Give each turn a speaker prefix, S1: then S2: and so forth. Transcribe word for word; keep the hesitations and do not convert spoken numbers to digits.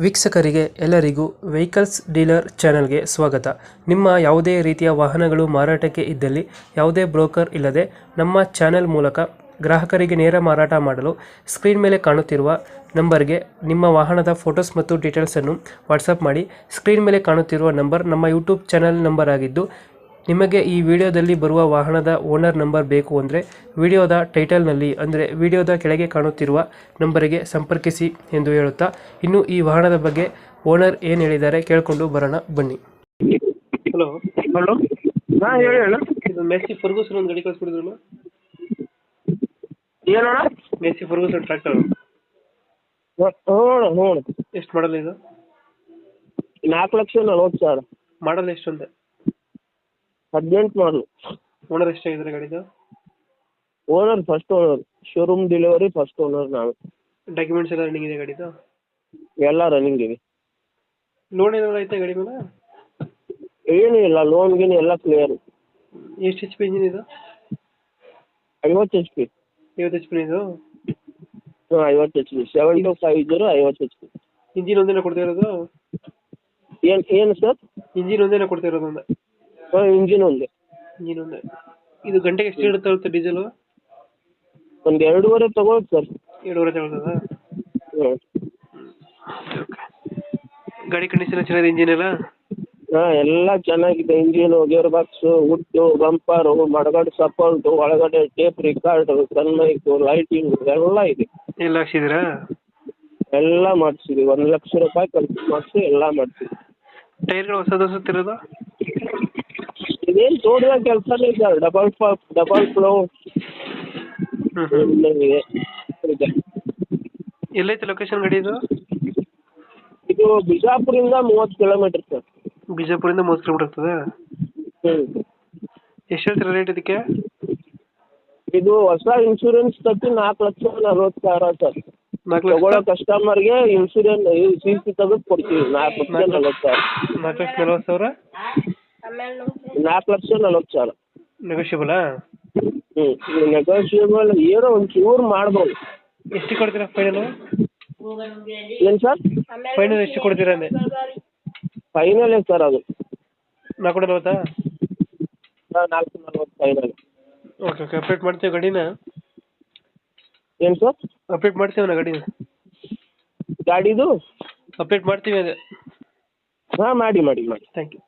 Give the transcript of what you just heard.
S1: ವೀಕ್ಷಕರಿಗೆ ಎಲ್ಲರಿಗೂ vehicles dealer ಚಾನೆಲ್ಗೆ ಸ್ವಾಗತ. ನಿಮ್ಮ ಯಾವುದೇ ರೀತಿಯ ವಾಹನಗಳು ಮಾರಾಟಕ್ಕೆ ಇದ್ದಲ್ಲಿ ಯಾವುದೇ ಬ್ರೋಕರ್ ಇಲ್ಲದೆ ನಮ್ಮ ಚಾನೆಲ್ ಮೂಲಕ ಗ್ರಾಹಕರಿಗೆ ನೇರ ಮಾರಾಟ ಮಾಡಲು ಸ್ಕ್ರೀನ್ ಮೇಲೆ ಕಾಣುತ್ತಿರುವ ನಂಬರ್ಗೆ ನಿಮ್ಮ ವಾಹನದ ಫೋಟೋಸ್ ಮತ್ತು ಡೀಟೇಲ್ಸನ್ನು ವಾಟ್ಸಪ್ ಮಾಡಿ. ಸ್ಕ್ರೀನ್ ಮೇಲೆ ಕಾಣುತ್ತಿರುವ ನಂಬರ್ ನಮ್ಮ ಯೂಟ್ಯೂಬ್ ಚಾನೆಲ್ ನಂಬರ್ ಆಗಿದ್ದು, ನಿಮಗೆ ಈ ವಿಡಿಯೋದಲ್ಲಿ ಬರುವ ವಾಹನದ ಓನರ್ ನಂಬರ್ ಬೇಕು ಅಂದರೆ ವಿಡಿಯೋದ ಟೈಟಲ್ನಲ್ಲಿ ಅಂದರೆ ವಿಡಿಯೋದ ಕೆಳಗೆ ಕಾಣುತ್ತಿರುವ ನಂಬರಿಗೆ ಸಂಪರ್ಕಿಸಿ ಎಂದು ಹೇಳುತ್ತಾ, ಇನ್ನು ಈ ವಾಹನದ ಬಗ್ಗೆ ಓನರ್ ಏನು ಹೇಳಿದ್ದಾರೆ ಕೇಳಿಕೊಂಡು ಬರೋಣ ಬನ್ನಿ. ಹಲೋ
S2: ಹಲೋ ಹಾಂ ಹೇಳಿ ಅಣ್ಣ.
S1: ಇದು ಮೆಸ್ಸಿ ಫರ್ಗೂಸನ್ ಒಂದು ಗಾಡಿ ಕಳಿಸ್ಬಿಡಿದ್ರಲ್ಲ,
S2: ಏನಣ್ಣ?
S1: ಮೆಸ್ಸಿ ಫರ್ಗೂಸನ್ ಟ್ರ್ಯಾಕ್ಟರ್
S2: ಹ್ಞೂ ಹ್ಞೂ
S1: ಎಷ್ಟು ಮಾಡಲ್ ಇದು?
S2: ನಾಲ್ಕು ಲಕ್ಷ ನಲ್ವತ್ತು ಸಾವಿರ.
S1: ಮಾಡಲ್ ಎಷ್ಟು ಅಂತೆ?
S2: ಹದಿನೆಂಟು ಮಾಡಲು.
S1: ಓನರ್ ಎಷ್ಟಾಗಿದ್ದಾರೆ ಗಾಡಿದು?
S2: Owner first owner, showroom delivery first owner ನಾವು.
S1: ಡಾಕ್ಯುಮೆಂಟ್ಸ್ ಎಲ್ಲ ರನ್ನಿಂಗ್ ಇದೆ ಗಾಡಿದು?
S2: ಎಲ್ಲ ರನ್ನಿಂಗ್ ಇದೆ.
S1: ಲೋನ್ ಏನಾದ್ರು ಐತೆ ಗಾಡಿ ಮೇಲೆ?
S2: ಏನೂ ಇಲ್ಲ, ಲೋನ್ ಗೀನ್ ಎಲ್ಲ ಕ್ಲಿಯರ್.
S1: ಎಷ್ಟು ಎಚ್ ಪಿ ಇಂಜಿನ್ ಇದು?
S2: ಐವತ್ತು ಎಚ್ ಪಿ.
S1: ಐವತ್ತು ಎಚ್ ಪಿ ಇದು?
S2: ಹಾಂ ಐವತ್ತು H P, seven two five zero ಐವತ್ತು ಎಚ್ ಪಿ.
S1: ಇಂಜಿನ್ ಒಂದೇನ ಕೊಡ್ತಾ ಇರೋದು?
S2: ಏನು ಏನು ಸರ್?
S1: ಇಂಜಿನ್ ಒಂದೇನ ಕೊಡ್ತಾ ಇರೋದು ಒಂದೇ?
S2: ಹಾಂ ಇಂಜಿನ್ ಒಂದೇ.
S1: ಇಂಜಿನ್ ಒಂದೇ. ಇದು ಗಂಟೆಗೆ ಎಷ್ಟು ಇರುತ್ತೆ ಡೀಸೆಲು?
S2: ಒಂದು ಎರಡೂವರೆ ತಗೊಳ್ಳಿ ಸರ್.
S1: ಎರಡೂವರೆ ತಗೊಳ್ತದ?
S2: ಹ್ಞೂ.
S1: ಗಾಡಿ ಕಂಡೀಷನ್ ಚೆನ್ನಾಗಿದೆ, ಇಂಜಿನ್ ಎಲ್ಲ?
S2: ಹಾಂ ಎಲ್ಲ ಚೆನ್ನಾಗಿದೆ. Engine, gear box, wood, bumper, mudguard support, ಒಳಗಡೆ ಟೇಪ್ ರಿಕಾರ್ಡು, ಸನ್ಮೈಕು, ಲೈಟಿಂಗು ಎಲ್ಲ ಇದೆ.
S1: ಎಲ್ಲ ಹಾಕ್ಸಿದ್ದೀರಾ?
S2: ಎಲ್ಲ ಮಾಡಿಸಿದ್ವಿ. ಒಂದು ಲಕ್ಷ ರೂಪಾಯಿ ಖರ್ಚು ಮಾಡಿಸಿ ಎಲ್ಲ ಮಾಡ್ತೀವಿ.
S1: ಟೈರ್ಗಳು ಹೊಸದು ಹೊಸತಿರೋದು?
S2: ಇದೇನು ತೋಡುವ ಕೆಲಸನೇ ಸರ್. ಡಬಲ್ ಪಾಪ್ ಡಬಲ್ ಫ್ಲೋ ಇದೆ.
S1: ಎಲ್ಲೈತೆ ಲೊಕೇಶನ್ ಗಾಡಿ ಇದು?
S2: ಇದು ಬಿಜಾಪುರಿಂದ ಮೂವತ್ತು ಕಿಲೋಮೀಟರ್ ಸರ್.
S1: ಬಿಜಾಪುರಿಂದ ಮೂವತ್ತು ಕಿಲೋಮೀಟರ್ ಆಗ್ತದೆ?
S2: ಹ್ಞೂ.
S1: ಎಷ್ಟು ಹೇಳ್ತೀರಾ ರೇಟ್ ಇದಕ್ಕೆ?
S2: ಇದು ಹೊಸ ಇನ್ಶೂರೆನ್ಸ್ ಕಟ್ಟಿ ನಾಲ್ಕು ಲಕ್ಷ ನಲ್ವತ್ತು ಸಾವಿರ ಸರ್.
S1: ನಾಲ್ಕು ಲಕ್ಷ
S2: ತಗೊಳ್ಳೋ ಕಸ್ಟಮರ್ಗೆ ಇನ್ಶೂರೆನ್ಸ್ ಸಿ ಸಿ ತೆಗೆದು ಕೊಡ್ತೀವಿ. ನಾಲ್ಕು ಲಕ್ಷ ನಲ್ವತ್ತು ಸಾವಿರ.
S1: ನಾಲ್ಕು ಲಕ್ಷ ನಲ್ವತ್ತು ಸಾವಿರ?
S2: ನಾಲ್ಕು ಲಕ್ಷ ನಲ್ವತ್ತು ಸಾವಿರ
S1: ನೆಗೋಷಿಯಬಲಾ?
S2: ಹ್ಞೂ ನೆಗೋಷಿಯಬಲ್ ಏನೋ ಒಂಚೂರು ಮಾಡ್ಬೋದು.
S1: ಎಷ್ಟು ಕೊಡ್ತೀರಾ ಫೈನಲ್?
S2: ಏನು ಸರ್?
S1: ಫೈನಲ್ ಎಷ್ಟು ಕೊಡ್ತೀರಾ ಅಂದೆ?
S2: ಫೈನಲೇ ಸರ್ ಅದು.
S1: ನಾಲ್ಕು ನಲ್ವತ್ತಾ?
S2: ಹಾಂ ನಾಲ್ಕು ನಲ್ವತ್ತು ಫೈನಲ್.
S1: ಓಕೆ ಓಕೆ ಅಪ್ಡೇಟ್ ಮಾಡ್ತೀವಿ ಗಾಡಿನ.
S2: ಏನು ಸರ್?
S1: ಅಪ್ಡೇಟ್ ಮಾಡ್ತೀವಿ ನಾ ಗಾಡಿನ.
S2: ಗಾಡಿದು
S1: ಅಪ್ಡೇಟ್ ಮಾಡ್ತೀವಿ ಅದೇ.
S2: ಹಾಂ ಮಾಡಿ ಮಾಡಿ ಮಾಡಿ.
S1: Thank you.